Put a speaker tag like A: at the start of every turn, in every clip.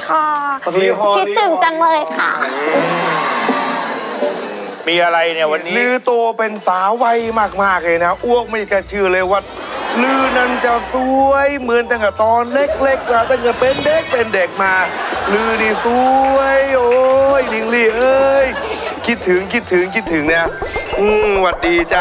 A: ค่ะคิดถึงจังเลยค่ะ
B: มีอะไรเนี่ยวันนี้
C: ลือโตเป็นสาววัยมากๆเลยนะอ้วกไม่จะเชื่อเลยว่าลือนั้นจะสวยเหมือนตั้งแต่ตอนเล็กๆแล้วตั้งแต่เป็นเด็กมาลือนี่สวยโอ้ยลิงลี่เอ้ยคิดถึงเนี่ยหวัดดีจ้า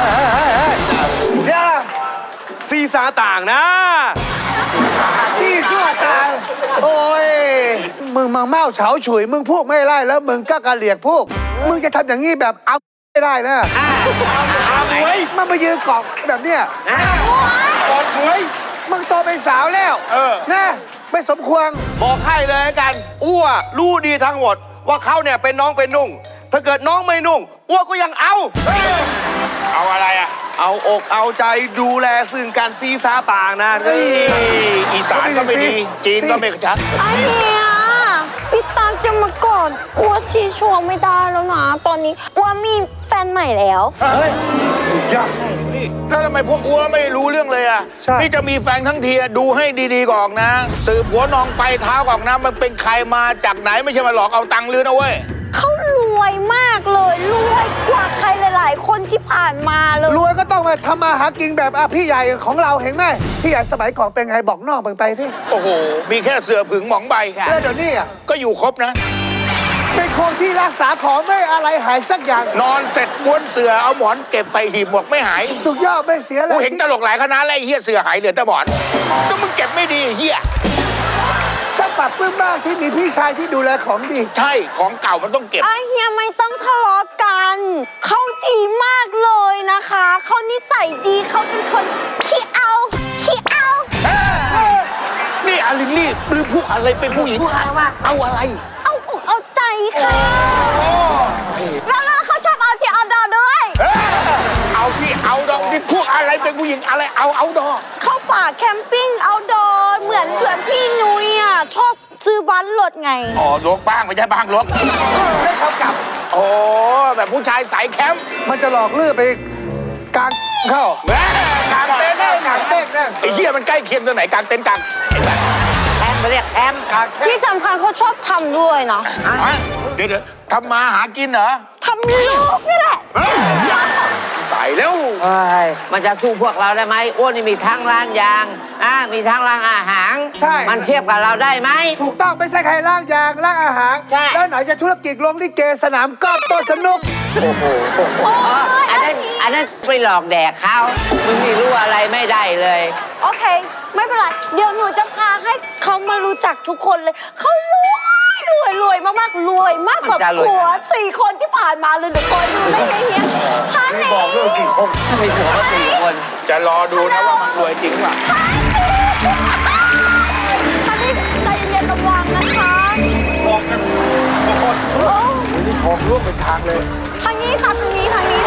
C: เนี่ยซีสาต่างนะ
D: ซี่ชั่วตายโอ้ยมึงเมาเฉาฉุยมึงพูดไม่ได้แล้วมึงก็กระเหลียกพูดมึงจะทำอย่างนี้แบบเอาไม่ได้นะ
C: อาหมวย
D: มันมายืนเกาะแบบเนี้ย
C: กอดหมวย
D: มึงโตเป็นสาวแล้วนะไม่สมควร
C: บอกให้เลยกันอ้วรู้ดีทั้งหมดว่าเขาเนี่ยเป็นน้องเป็นนุ่งถ้าเกิดน้องไม่นุ่งอ้วก็ยังเอา
B: อะไรอ่ะ
C: เอาอกเอาใจดูแลซึ่งการซีซาต่างนะ
B: อีสานก็ไม่ดีจีนก็ไม่ชัด
A: ไอ้เนี่ยพี่ตาจะมากอดอ้วนชี้ชัวไม่ได้แล้วนะตอนนี้อ้วนมีแฟนใหม่แล้ว
C: เฮ้ยยาก
B: นี่แล้วทำไมพวกอ้วไม่รู้เรื่องเลยอ่ะนี่จะมีแฟนทั้งทีดูให้ดีๆก่อนนะสืบหัวนองไปเท้าก่อนนะมันเป็นใครมาจากไหนไม่ใช่มาหลอกเอาตังค์ลือนะเว้ย
A: เขารวยมากเลยรวยกว่าใครหลายๆคนที่ผ่านมาเลย
D: รวยก็ต้องมาทำมาหากินแบบพี่ใหญ่ของเราเห็นไหมพี่ใหญ่สมัยก่อนเป็นไงบอกนอกไปที่
B: โอ้โหมีแค่เสือผึ่งหมองใบ
D: แล้วเดี๋ยวนี้
B: ก็อยู่ครบนะ
D: เป็นคนที่รักษาของไม่อะไรหายสักอย่าง
B: นอนเสร็จม้วนเสือเอาหมอนเก็บใส่หีบหมวกไม่หาย
D: สุดยอดไม่เสียเลย
B: กูเห็นตลกหลายคณะแล้วไอ้เฮียเสือหายเหลือแต่หมอนก็มึงเก็บไม่ดีเฮีย
D: ฉันปรับปลื้มมากที่มีพี่ชายที่ดูแลของดี
B: ใช่ของเก่ามันต้องเก็บ
A: ไอ้เฮียไม่ต้องทะเลาะกันเขาดีมากเลยนะคะเขานิสัยดีเขาเป็นคนขี้เอา
B: นี่อาลิลลี่หรือพูดอะไรเป็นผู้หญิงเอาอะไร
A: เอาอกเอาใจค่ะแล้วเขาชอบเอาที่เอาดอด้วย
B: เอาที่เอาดอที่พูดอะไรเป็นผู้หญิงอะไรเอาดอ
A: เข้าป่าแคมปิ้งเอาดอเหมือนพี่นุ้ยอ่ะชอบซื้อบ้านรถไง
B: อ๋อรถบ้างไม่ใช่บ้างรถ
D: ให้เขากลับ
B: โอ้แบบผู้ชายสายแคมป์
D: มันจะหลอกลื่อไปกลางเข้
B: ากลางเต็นท์ไอ้เหี้ยมันใกล้เคียงตัวไหนกลางเต็นท์กลาง
A: แคมป์เรียกแคมป์ที่สำคัญเขาชอบทำด้วยเนาะ
B: เดี๋ยวทำมาหากินเหรอ
A: ทำลูกนี่แหละ
B: ตายแล้ว
E: มันจะสู้พวกเราได้ไหมอ้วนนี่มีทั้งร้านยางมีทั้งร้านอาหาร
D: ใช่
E: มันเทียบกับเราได้ไหม
D: ถูกต้องไม่ใช่ใครร้านยางร้านอาหาร
E: ใช่
D: แล้วไหนจะธุรกิจลงลิเกสนามกอล์ฟโต๊ะสนุก
E: โอ้โหอันนั้นไปหลอกแดกเขามึงนี่รู้อะไรไม่ได้เลย
A: โอเคไม่เป็นไรเดี๋ยวหนูจะพาให้เขามารู้จักทุกคนเลยเขารวยมากๆรวยมากกว่าผัว4 คนที่ผ่านมาเลยเดี๋ยวคอยดูได้ไงเฮียฮันนี่
D: บอกเรื่องกี่คน
E: มีผัว4 คน
B: จะรอดูนะว่ามันรวยจริงป่ะ
A: ฮันนี่ใจเย็นระวังนะคะ
C: บอกกัน
D: นี่ทองร่วงเป็นทางเลย
A: ทางนี้ค่ะทางนี้อันนี้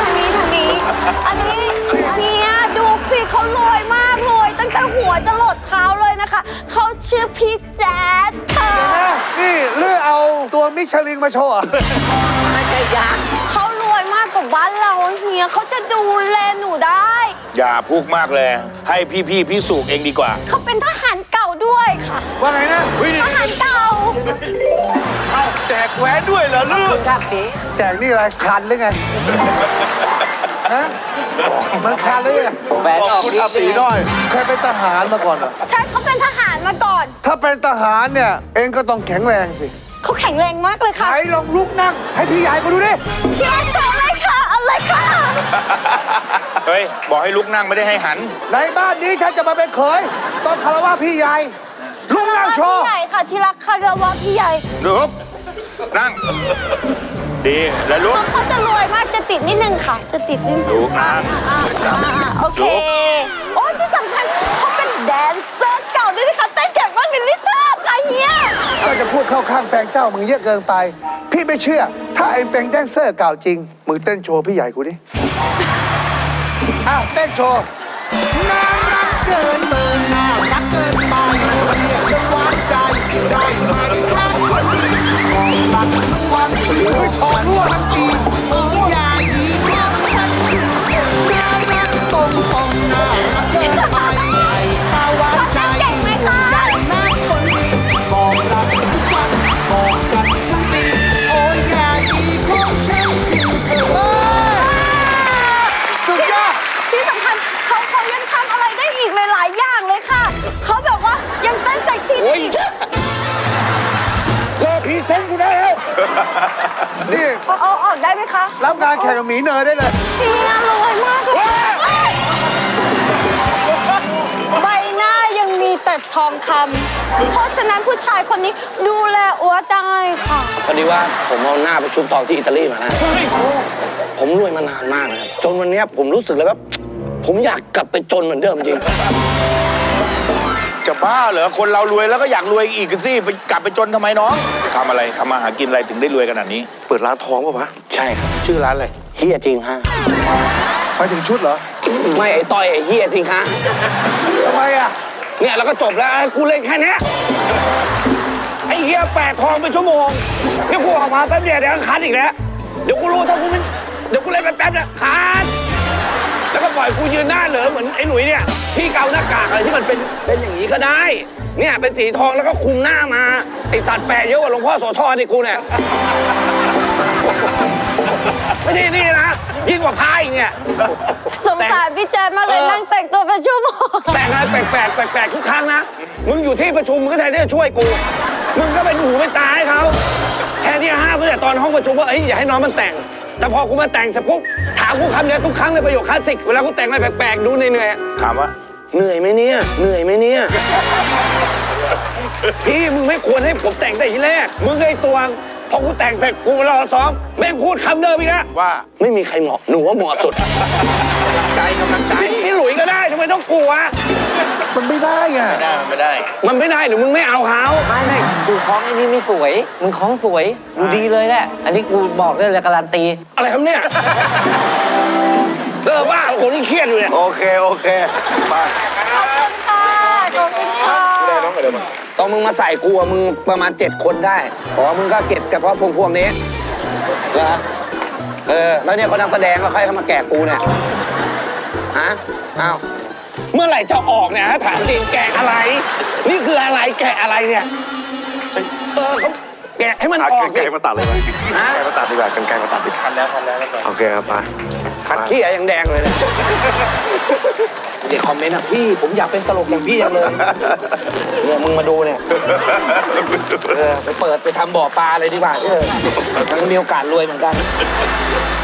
A: เฮียดูสิเขารวยมากรวยตั้งแต่หัวจะหลดเท้าเลยนะคะเขาชื่อพี่แจ๊ดค่ะ
D: นี่เลือกเอาตัวมิชลินมาโชว์
E: ไม่ใช่ยักษ์
A: เขารวยมากกว่าบ้านเราเฮียเขาจะดูแลหนูได้
B: อย่าพูดมากเลยให้พี่พิสูจน์เองดีกว่า
A: เขาเป็นทหารเก่าด้วยค่ะ
D: ว่าไงนะ
A: ทหารเก่า
C: แจกแหวนด้วยเหรอลูก
D: แจกนี่อะไรคันหรือไงฮะมันคันหรือไง
E: แหวนออก
C: คุณอาตีน้อย
D: เคยเป็นทหารมาก่อนเหรอ
A: ใช่เขาเป็นทหารมาก่อน
D: ถ้าเป็นทหารเนี่ยเองก็ต้องแข็งแรงสิ
A: เขาแข็งแรงมากเลยค่ะ
D: ไหนลองลุกนั่งให้พี่ใหญ่มาดูดิ
A: พี่ใหญ่โชว์เลยค่ะอะไรค่ะ
B: เฮ้ยบอกให้ลุกนั่งไม่ได้ให้หัน
D: ในบ้านนี้ฉันจะมาเป็นเขยต้องคารวะพี่ใหญ่ลุกนั่งโชว์
A: พี่ใหญ่ค่ะที่รักคารวะพี่ใหญ่
B: ลุกนั่งดีแล้วลุก
A: เขาจะรวยมากจะติดนิดนึงค่ะจะติดนิดนึง
B: ลุกนั่ง
A: โอเคโอ้ที่สำคัญเขาเป็นแดนเซอร์เก่าด้วยนะคะเต้นเก่งมากเลยนี่ชอบค่ะเฮีย
D: ก็จะพูดเข้าข้างแฟนเจ้ามึงเยอะเกินไปพี่ไม่เชื่อถ้าเองเป็นแดนเซอร์เก่าจริงมึงเต้นโชว์พี่ใหญ่กูดิเต้นโชว์น่ารักเกินเบอร์น่ารักเกินไปเรียกจะหวานใจได้ไหมถ้าคนดีของรักทุกวันถอนรั่วทั้งปีอย่ายีของฉันน่ารักตรงน่ารักเกินไปถ้าหวานใจได้ไหมคนดีบอกรักทุกวันนี่
A: เอาออกได้ไหมคะ
D: รับงานแข่งกับหมีเนยได้เลย
A: เฮียรวยมากเลยใบหน้ายังมีแต่ทองคำเพราะฉะนั้นผู้ชายคนนี้ดูแลอัวได้ค่ะ
F: พอดีว่าผมเอาหน้าไปชุบทองที่อิตาลีมานะผมรวยมานานมากนะครับจนวันนี้ผมรู้สึกเลยว่าผมอยากกลับไปจนเหมือนเดิมจริง
B: จะบ้าเหรอคนเรารวยแล้วก็อยากรวยอีกสิไปกลับไปจนทำไมน้องทำอะไรทำมาหากินอะไรถึงได้รวยขนาดนี้
C: เปิดร้านทองป่ะวะ
F: ใช่ครับ
B: ชื่อร้านอะไร
F: เฮียจริงฮะ
D: ไปถึงชุดเหรอ
F: ไม่ไอ้ต้อยไอ้เฮียจริงฮะ
D: ทำไมอ่ะ
F: เนี่ยแล้วก็จบแล้วกูเล่นแค่เนี้ยไอ้เฮียแปะทองเป็นชั่วโมงเดี๋ยวกูออกมาแป๊บเดียวเดี๋ยวก็คัดอีกแล้วเดี๋ยวกูรู้ถ้ากูไม่เดี๋ยวกูเล่นแป๊บๆเนี่ยคัดแล้วก็ปล่อยกูยืนหน้าเหลือเหมือนไอ้หนุ่ยเนี่ยพี่เกาหน้ากากอะไรที่มันเป็นอย่างนี้ก็ได้ เนี่ยเป็นสีทองแล้วก็คุมหน้ามาไอสัตว์แปะเยอะกว่าหลวงพ่อโสธรนี่กูเนี่ยไม่ใช่นี่นะยิ่งกว่าพายอีกเนี่ย
A: สงสารพี่แจ๊ดมากเลยนั่งแต่งตัวเป็นชั่วโมง
F: แต่งอะไรแปลกทุกครั้งนะมึงอยู่ที่ประชุมมึงก็แทนที่จะช่วยกูมึงก็เป็นหูเป็นตาให้เขาแทนที่จะห้ามตั้งแต่ตอนห้องประชุมว่าเอ้ยอย่าให้น้องมันแต่งแต่พอกูมาแต่งเสร็จปุ๊บถามกูคำเดียวทุกครั้งเลยประโยคคลาสสิกเวลากูแต่งอะไรแปลกๆดูเหนื่อย
B: ถามว่า
F: ๆเหนื่อยไหมเนี่ยเหนื่อยไหมเนี่ยพี่มึงไม่ควรให้ผมแต่งแต่ทีแรกมึงไอ้ตัวพอกูแต่งเสร็จกูมารอซ้อมแม่งพูดคำเดิมอีกนะ
B: ว่า
F: ไม่มีใครเหมาะหนูว่าเหมาะสุด
B: ใจกำลังใจ
F: พี่หลุยก็ได้ทำไมต้องกลัว
D: มันไม่ได้อ่ะ
B: ไม่ได้มันไม่ได้
F: มันไม่ได้หรือมึงไม่เอาเขา
E: ไม่กูคล้องไอ้นี่ไม่สวย มึงคล้องสวย ดูดีเลยแหละ อันนี้กูบอกได้เลยการันตี
F: อะไรครับเนี่ยบ้าผมนี่เครียดอยู่เนี่ย
C: โอเคไป
A: ขอบคุณค่ะขอบคุณค่ะ
F: ตอนมึงมาใส่กูอะมึงประมาณ7 คนได้เพราะว่ามึงก็เก็บเฉพาะพวงนี้เหรอแล้วเนี่ยคนนักแสดงแล้วใครเข้ามาแกะกูเนี่ยฮะอ้าวเมื่อไหร่จะออกเนี่ยฮะถามจริงแกะอะไร นี่คืออะไรแกะอะไรเนี่ยเขาแกะให้มันออก
C: กันไกลมาตัดเลยไหมกันไกลมาตัดดีกว่ากันไกลมาตัดดีกว่าแล้วโอเคครับไป
F: ขัดขี้ยังแดงเลยเนี่ยเด็กคอมเมนต์อ่ะพี่ผมอยากเป็นตลกอย่างพี่จังเลยเนี่ยมึงมาดูเนี่ยไปเปิดไปทำบ่อปลาเลยดีกว่ามันมีโอกาสรวยเหมือนกัน